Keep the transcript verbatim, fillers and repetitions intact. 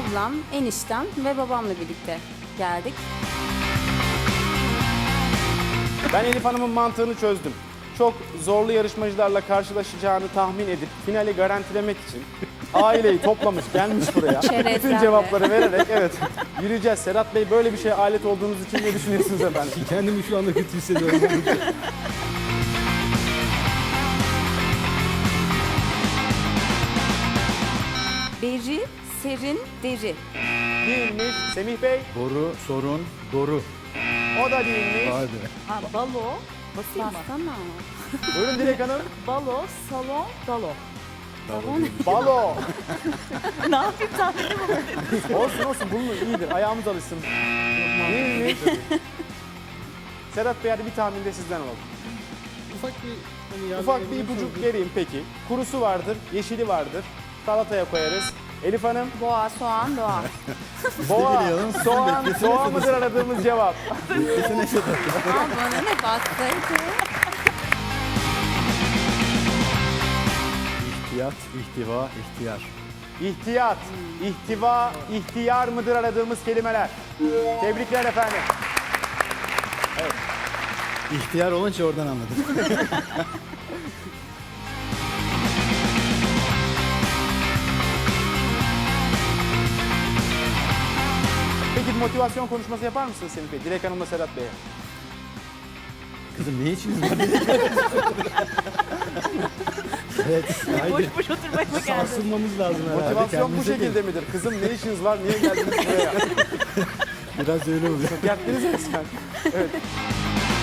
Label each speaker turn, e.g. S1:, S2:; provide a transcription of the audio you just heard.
S1: ablam, eniştem ve babamla birlikte geldik.
S2: Ben Elif Hanım'ın mantığını çözdüm. Çok zorlu yarışmacılarla karşılaşacağını tahmin edip finali garantilemek için aileyi toplamış, gelmiş buraya. Bütün
S1: Şereflendi.
S2: cevapları vererek evet yürüyeceğiz. Serhat Bey, böyle bir şeye alet olduğunuz için ne düşünüyorsunuz efendim?
S3: Kendimi şu anda kötü hissediyorum.
S1: Beri, serin, deri.
S2: Değilmiş Semih Bey,
S3: Boru, sorun, doğru.
S2: o da değilmiş.
S3: Hadi.
S4: Ha, balo, basayım mı?
S1: Baksana.
S2: Buyurun Dilek Hanım.
S4: Balo, salon, galo.
S2: Balo.
S4: Ne yapayım tahminim o.
S2: Olsun olsun, bulunur, iyidir. Ayağımız alışsın. Değilmiş. Serhat Bey, hadi bir tahmin de sizden alalım.
S3: Ufak bir hani yardım
S2: Ufak bir
S3: edebilir
S2: ipucu
S3: misiniz?
S2: vereyim peki. Kurusu vardır, yeşili vardır. Salataya koyarız. Elif Hanım,
S1: Boğa, soğan, doğa.
S2: boğa,
S3: biliyorum, siz
S2: soğan,
S3: beklesene
S2: soğan mıdır aradığımız cevap?
S3: Desene Sedat.
S1: Aa, bana ne baksaydı.
S3: İhtiyat, ihtiva, ihtiyar.
S2: İhtiyat, ihtiva, ihtiyar mıdır aradığımız kelimeler? Tebrikler efendim.
S3: İhtiyar olunca oradan anladım.
S2: Peki bir motivasyon konuşması yapar mısınız Semih Bey? Dilek Hanım'la Serhat Bey'e.
S3: Kızım ne işiniz var? Evet, haydi.
S4: Boş boş oturmaya mı geldin?
S3: Sarsılmamız lazım herhalde.
S2: Motivasyon bu
S3: Kendinize
S2: şekilde
S3: gelin.
S2: midir? Kızım ne işiniz var? Niye geldiniz buraya?
S3: Biraz öyle oluyor.
S2: Geldiniz resmen. Evet.